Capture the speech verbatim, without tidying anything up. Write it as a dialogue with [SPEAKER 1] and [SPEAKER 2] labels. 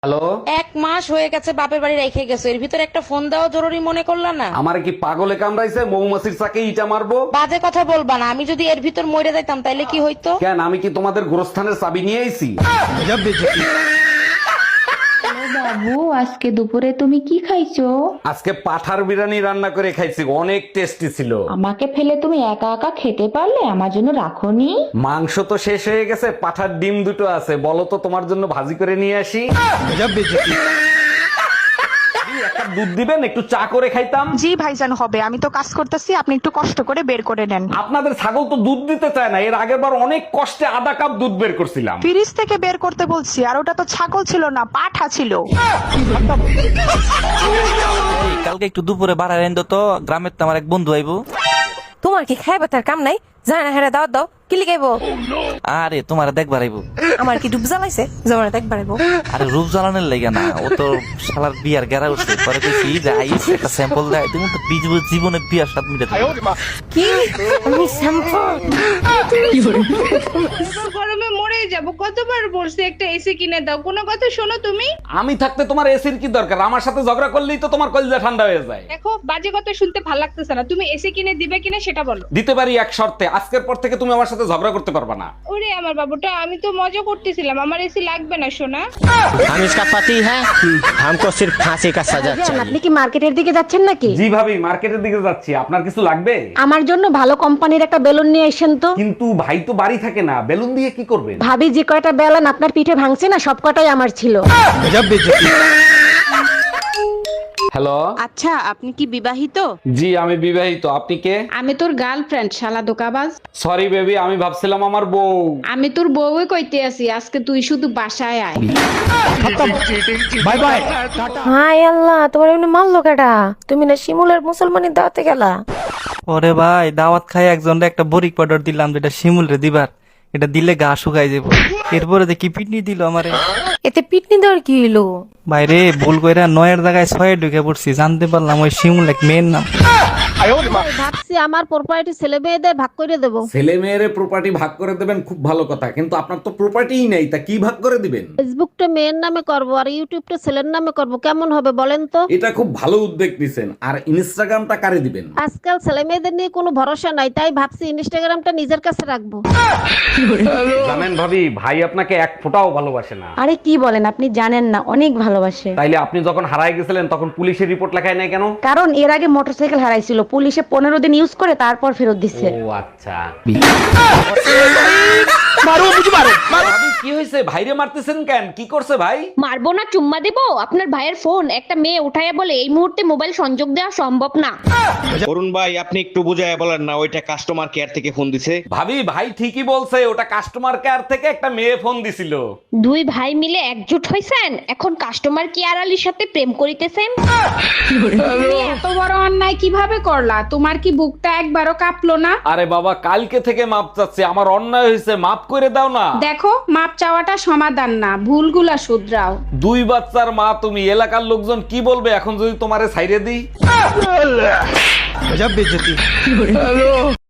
[SPEAKER 1] Hello,
[SPEAKER 2] এক মাস হয়ে গেছে বাপের বাড়ি রেখে গেছো, এর ভিতর একটা ফোন দেওয়া জরুরি মনে করলা না?
[SPEAKER 1] আমার কি পাগলে কামড়াইছে? মৌমাছির চাকে ইটা মারবো?
[SPEAKER 2] বাজে কথা বলবা না, আমি যদি এর ভিতর মরে যাইতাম তাইলে কি হইতো?
[SPEAKER 1] কেন, আমি কি তোমাদের গোরস্থানের চাবি নিয়ে আইছি?
[SPEAKER 3] বাবু, আজকে দুপুরে তুমি কি খাইছো?
[SPEAKER 1] আজকে পাঠার বিরিয়ানি রান্না করে খাইছি, অনেক টেস্টি ছিল।
[SPEAKER 3] আমাকে ফেলে তুমি একা একা খেতে পারলে, আমার জন্য রাখোনি?
[SPEAKER 1] মাংস তো শেষ হয়ে গেছে, পাঠার ডিম দুটো আছে, বলো তো তোমার জন্য ভাজি করে নিয়ে আসি। একটা দুধ দিবেন, একটু চা করে খাইতাম।
[SPEAKER 4] জি ভাইজান, হবে। আমি তো কাজ করতেছি, আপনি একটু কষ্ট করে বের করে নেন।
[SPEAKER 1] আপনাদের ছাগল তো দুধ দিতে চায় না, এর আগের বার অনেক কষ্টে আধা কাপ দুধ বের করছিলাম।
[SPEAKER 4] ফ্রিজ থেকে বের করতে বলছি, আর ওটা তো ছাগল ছিল না, পাঠা ছিল।
[SPEAKER 5] এই, কালকে একটু দুপুরে বাড়ায় এনে তো, গ্রামের তো আমার এক বন্ধু আইবো।
[SPEAKER 6] তোমার কি খাইবা তার কাম নাই? জানা হেরা দাওয়াত দাও, কি লিখাইবো?
[SPEAKER 5] আরে তোমার দেখবার আইবো।
[SPEAKER 6] আমার কি ডুব জ্বালাইছে জমানা দেখবার আইবো?
[SPEAKER 5] আরে রূপ জ্বালানোর লাগে না, ও তো শালার বিয়ার গেরা উঠছে। পরে কইছি যে আইস একটা স্যাম্পল দেয়, তুমি তো বিজ- জীবনে বিয়ার স্বাদ মিটাতে পারবে না।
[SPEAKER 6] কি আমি শ্যাম্পল?
[SPEAKER 7] গরমে মরে যাব, কতবার বলছি একটা এসি কিনে দাও, কোনো কথা শোনো তুমি?
[SPEAKER 1] আমি থাকতে তোমার এসির কি দরকার? আমার সাথে ঝগড়া করলেই তো তোমার কলিজা ঠান্ডা হয়ে যায়।
[SPEAKER 7] দেখো, বাজে কথা শুনতে ভালো লাগতেছে না, তুমি এসি কিনে দিবে কিনা সেটা বলো।
[SPEAKER 1] দিতে পারি এক শর্তে, আজকের পর থেকে তুমি আমার সাথে ঝগড়া করতে পারবা না।
[SPEAKER 7] ওরে আমার বাবুটা, আমি তো মজা করতেছিলাম, আমার এসি লাগবে না সোনা।
[SPEAKER 8] हम इसका पति है, हमको सिर्फ फांसी का सजा चाहिए।
[SPEAKER 3] আপনি কি মার্কেটের দিকে যাচ্ছেন নাকি?
[SPEAKER 1] জি ভাবি, মার্কেটের দিকে যাচ্ছি, আপনার কিছু লাগবে?
[SPEAKER 3] আমার জন্য ভালো কোম্পানির একটা বেলুন নিয়ে এসেন তো।
[SPEAKER 1] কিন্তু ভাই তো বাড়ি থাকে না, বেলুন দিয়ে কি করবেন?
[SPEAKER 3] ভাবি, যে কয়টা বেলুন আপনার পিঠে ভাঙছে না, সব কটাই আমার ছিল।
[SPEAKER 1] হ্যালো,
[SPEAKER 7] আচ্ছা, আপনি কি বিবাহিত?
[SPEAKER 1] জি আমি বিবাহিত। আপনি কে?
[SPEAKER 7] আমি তোর গার্লফ্রেন্ড, শালা দোকাবাজ।
[SPEAKER 1] সরি বেবি, আমি ভাবছিলাম আমার বউ।
[SPEAKER 7] আমি তোর বউই কইতে আছি, আজকে তুই শুধু বাসায় আয়।
[SPEAKER 8] Bye bye.
[SPEAKER 6] হাই আল্লাহ, তোমার এমনি মারলো কেডা? তুমি না শিমুলের মুসলমানের দাওয়াতে গেলা?
[SPEAKER 5] ওরে ভাই, দাওয়াত খাই একজনরে একটা বরিক পাউডার দিলাম, যেটা শিমুল রে দিবার। এটা দিলে গা শুকাই যাবো। এরপরে যে কি পিটনি দিল আমারে।
[SPEAKER 6] এতে পিটনি দেওয়ার কি হইলো?
[SPEAKER 5] বাইরে ভুল কইরা নয়ের জায়গায় ছয়ে ঢুকে পড়ছি, জানতে পারলাম ওই শিমুল এক মেয়ের নাম।
[SPEAKER 3] ভাবছি আমার প্রপার্টি ছেলে মেয়েদের ভাগ করে দেবো।
[SPEAKER 1] ছেলে মেয়ের প্রপার্টি ভাগ করে দেবেন, খুব ভালো কথা, কিন্তু আপনার তো প্রপার্টিই নেই, তা কি ভাগ করে দিবেন?
[SPEAKER 3] ফেসবুকটা মেয়ের নামে করব আর ইউটিউবটা ছেলের নামে করব, কেমন হবে বলেন তো?
[SPEAKER 1] এটা খুব ভালো উদ্যোগ নিছেন। আর ইনস্টাগ্রামটা কারে দিবেন?
[SPEAKER 3] আজকাল ছেলে মেয়েদের নিয়ে কোনো ভরসা নাই, তাই ভাবছি ইনস্টাগ্রামটা নিজের কাছে রাখবো।
[SPEAKER 1] জানেন ভাবি, ভাই আপনাকে এক ফোঁটাও ভালোবাসে না।
[SPEAKER 3] আরে কি বলেন, আপনি জানেন না, অনেক ভালোবাসে।
[SPEAKER 1] তাইলে আপনি যখন হারায় গেছিলেন তখন পুলিশের রিপোর্ট লেখায় নাই কেন?
[SPEAKER 3] কারণ এর আগে মোটরসাইকেল হারাইছিল, পুলিশে পনেরো দিন ইউজ করে তারপর ফেরত দিচ্ছে।
[SPEAKER 1] ও আচ্ছা। ভাবি, কি হয়েছে? ভাইরে মারতেছেন কেন? কি করছে ভাই?
[SPEAKER 9] মারবো না, চুম্মা দেবো? আপনার ভাইয়ের ফোন একটা মেয়ে উঠাইয়া বলে এই মুহূর্তে মোবাইল সংযোগ দেওয়া সম্ভব না।
[SPEAKER 10] অরুণ ভাই, আপনি একটু বুঝায় বলেন না, ওইটা কাস্টমার কেয়ার থেকে ফোন দিছে।
[SPEAKER 1] ভাবি, ভাই ঠিকই বলছে, ওটা কাস্টমার কেয়ার থেকে একটা মেয়ে ফোন দিছিল।
[SPEAKER 9] দুই ভাই মিলে একজোট হইছেন, এখন কাস্টমার কেয়ার আলীর সাথে প্রেম করিতেছেন।
[SPEAKER 7] তুমি এত বড় অন্যায় কিভাবে করলা? তোমার কি বুকটা একবারও কাঁপলো না?
[SPEAKER 1] আরে বাবা, কালকে থেকে মাপ চাচ্ছি, আমার অন্যায় হয়েছে, মাফ করে দাও না।
[SPEAKER 7] দেখো, মাপ চাওয়াটা সমাধান না, ভুলগুলা শুধরাও।
[SPEAKER 1] দুই বাচ্চার মা তুমি, এলাকার লোকজন কি বলবে এখন যদি তোমারে ছাইরে দিই?